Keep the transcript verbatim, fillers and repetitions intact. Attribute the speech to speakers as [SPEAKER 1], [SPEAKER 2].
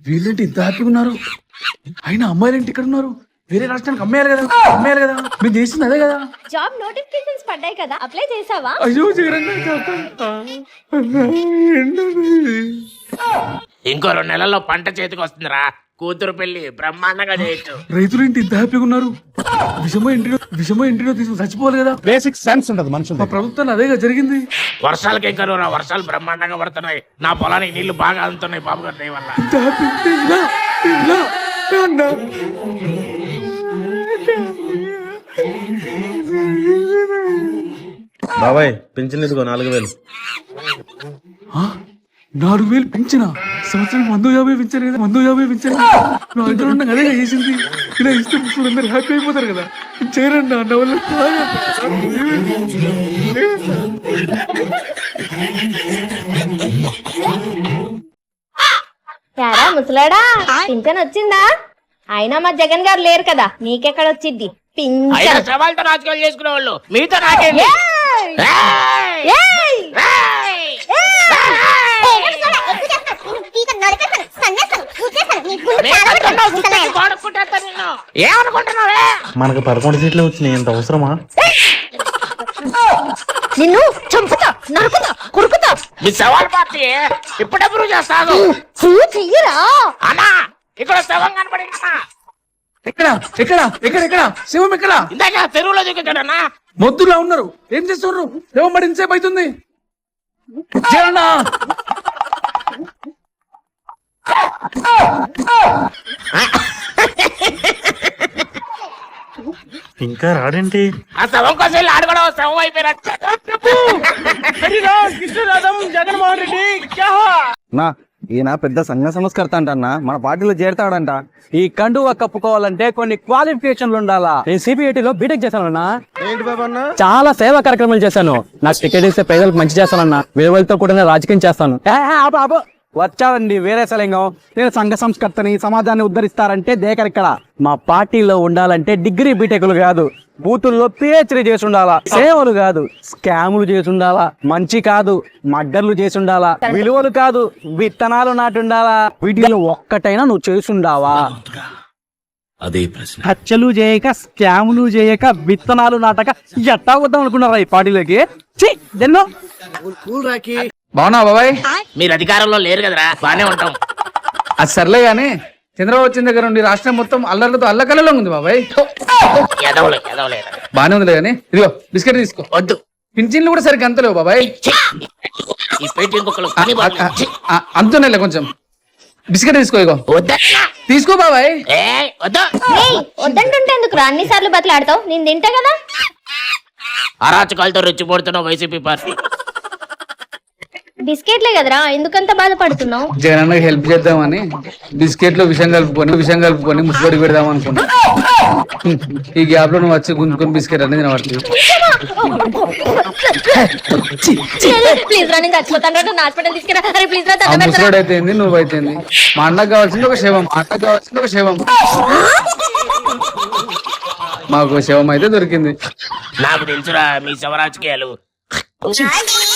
[SPEAKER 1] వీళ్ళేంటి ఇంత హ్యాపీగా ఉన్నారు? అయినా అమ్మాయిలు ఏంటి ఇక్కడ ఉన్నారు? వేరే రాష్ట్రానికి అమ్మాయిలు కదా, అమ్మాయిలు కదా, మీరు చేసింది అదే కదా.
[SPEAKER 2] జాబ్ నోటిఫికేషన్స్ పడ్డాయి కదా, అప్లై చేసావా?
[SPEAKER 1] అయ్యో జగన్,
[SPEAKER 3] ఇంకో రెండు నెలల్లో పంట చేతికి వస్తుందిరా. కూతురు పెళ్లి బ్రహ్మాండంగా చేయొచ్చు.
[SPEAKER 1] రైతులు ఏంటి ఇంత హ్యాపీగా ఉన్నారు? విషమో ఇంటిలో విషమో ఇంటిలో తీసుకుని చచ్చిపోవాలి కదా.
[SPEAKER 4] బేసిక్ సెన్స్ ఉండదు మనుషులు.
[SPEAKER 1] మా ప్రభుత్వం అదేగా జరిగింది.
[SPEAKER 3] వర్షాలకి ఏం కరువురా, వర్షాలు బ్రహ్మాండంగా పడుతున్నాయి. నా పొలానికి నీళ్లు బాగా అందుతున్నాయి బాబు గారి దయ వల్ల.
[SPEAKER 1] ఇంత హ్యాపీ ఉంటే ఇలా, ఇలా, అన్నా.
[SPEAKER 5] బాబాయ్ పింఛన్ ఇదిగో నాలుగు వేలు.
[SPEAKER 1] నాలుగు వేలు పెంచిన సంవత్సరం వంద యాభై పెంచారు కదా, వంద యాభై పెంచారు. నా దగ్గర ఉన్న అదే చేసింది. ఇలా ఇస్తే అందరు హ్యాపీ అయిపోతారు కదా. చేయరండి అన్న వల్ల.
[SPEAKER 2] యారా ముసలాడా, పింఛన్ వచ్చిందా? అయినా మా జగన్ గారు లేరు కదా, నీకెక్కడ వచ్చింది పింఛన్?
[SPEAKER 3] సవాళ్ళతో రాజకీయాలు చేసుకునే వాళ్ళు మీతో నాకేంటి? ఏమనుకుంటున్నావే?
[SPEAKER 5] మనకు పదకొండు సీట్లు వచ్చినాయి, ఎంత అవసరమా?
[SPEAKER 2] నిన్ను చంపుతా, నరుకుతా, కురుకుతా.
[SPEAKER 3] మీ సవాల్ పార్టీ ఇప్పుడు అప్రూవ్ చేస్తాను.
[SPEAKER 2] చెయ్యరా
[SPEAKER 3] అన్నా, ఇక్కడ శవం కనపడిందన్నా.
[SPEAKER 1] ఎక్కడ ఎక్కడ ఎక్కడ ఎక్కడ శివం ఎక్కడ?
[SPEAKER 3] ఇందాక చెరువులో దిగుతాడన్నా.
[SPEAKER 1] మొద్దులా ఉన్నారు, ఏం చేస్తున్నారు? శివం పడి ఇంతసేపు అవుతుంది. జగన్నా,
[SPEAKER 5] ఇంకా రాడేంటి?
[SPEAKER 3] ఆ శవం కోసం వెళ్ళి ఆడుకోవడం శవం అయిపోయినట్టు.
[SPEAKER 4] జగన్మోహన్ రెడ్డి
[SPEAKER 6] నా ఈయన పెద్ద సంఘ సంస్కర్త అంటన్నా, మన పార్టీలో చేరతాడంట. ఈ కండువా కప్పుకోవాలంటే కొన్ని క్వాలిఫికేషన్లు ఉండాలా. నేను సిబిఐటిలో బీటెక్ చేశానన్నా.
[SPEAKER 5] ఏంటి బాబా అన్న?
[SPEAKER 6] చాలా సేవా కార్యక్రమాలు చేశాను. నాకు టికెట్ ఇస్తే పేదలకు మంచి చేస్తానన్నా. వేరేతో కూడా రాజకీయం చేస్తాను. వచ్చావండి వేరే సలింగం. నేను సంఘ సంస్కర్తని, సమాజాన్ని ఉద్ధరిస్తారంటే దేకర్ ఇక్కడ. మా పార్టీలో ఉండాలంటే డిగ్రీ బీటెక్లు కాదు, బూతుల్లో పిహెచ్డీ చేసి ఉండాలా. సేవలు కాదు, స్కాములు చేసి ఉండాలా. మంచి కాదు, మడ్డర్లు చేసి ఉండాలా. విలువలు కాదు, విత్తనాలు నాటి ఉండాలా. వీటిలో ఒక్కటైనా నువ్వు చేసి ఉండావా?
[SPEAKER 7] అదే ప్రశ్న.
[SPEAKER 6] హత్యలు చేయక, స్కాములు చేయక, విత్తనాలు నాటక ఎట్టా వద్దాం అనుకున్నారా ఈ పార్టీలోకి? దెన్నో
[SPEAKER 1] బాగున్నా బాబాయ్?
[SPEAKER 3] మీరు అధికారంలో లేరు కదరా, బానే ఉంటాం.
[SPEAKER 1] అది సర్లే గానీ చంద్రబాబు వచ్చిన దగ్గర నుండి రాష్ట్రం మొత్తం అల్లర్లతో అల్లకల్లలో ఉంది బాబాయ్.
[SPEAKER 3] ఎదవలే ఎదవలే
[SPEAKER 1] బానే ఉందిలే గానీ ఇదిగో బిస్కెట్ తీసుకో.
[SPEAKER 3] వద్దు,
[SPEAKER 1] పింఛన్లు కూడా సరిగ్గా అంతలేవు బాబాయ్.
[SPEAKER 3] ఈ పెట్టి ఇంకొకరు పని పడలేదు.
[SPEAKER 1] అంతనే కొంచెం బిస్కెట్ తీసుకో. ఇగో
[SPEAKER 3] వద్దన్నా.
[SPEAKER 1] తీసుకో బాబాయ్.
[SPEAKER 3] ఏ వద్దు.
[SPEAKER 2] వద్దంటుంటే ఎందుకు రా అన్ని సార్లు బతలాడతావు? నేను తింటా కదా.
[SPEAKER 3] అరాచకాలతో రెచ్చిపోడుతున్నావు వైసీపీ పార్టీ.
[SPEAKER 2] బిస్కెట్లే కదరా, ఎందుకంత బాధపడుతున్నావు?
[SPEAKER 1] జగన్ హెల్ప్ చేద్దామని బిస్కెట్ లో విషయం కలుపుకొని విషయం కలుపుకొని ముసుగొడి పెడదాం అనుకున్నా. ఈ గ్యాప్ లో నువ్వు వచ్చి గుంజుకొని బిస్కెట్ అనేది తినబడుతుంది.
[SPEAKER 2] ప్లీజ్ రా, నేను చచ్చిపోతాను. హాస్పిటల్ తీసుకురా. అరే ప్లీజ్ రా.
[SPEAKER 1] ఆ ముసలోడు అయితే నువ్వు అయితే మా అన్నకు కావాల్సింది ఒక శవం, మా అన్నకు కావాల్సింది ఒక శవం. మాకు శవం అయితే దొరికింది.
[SPEAKER 3] నాకు తెలుసురా మీ శవ రాజకీయాలు.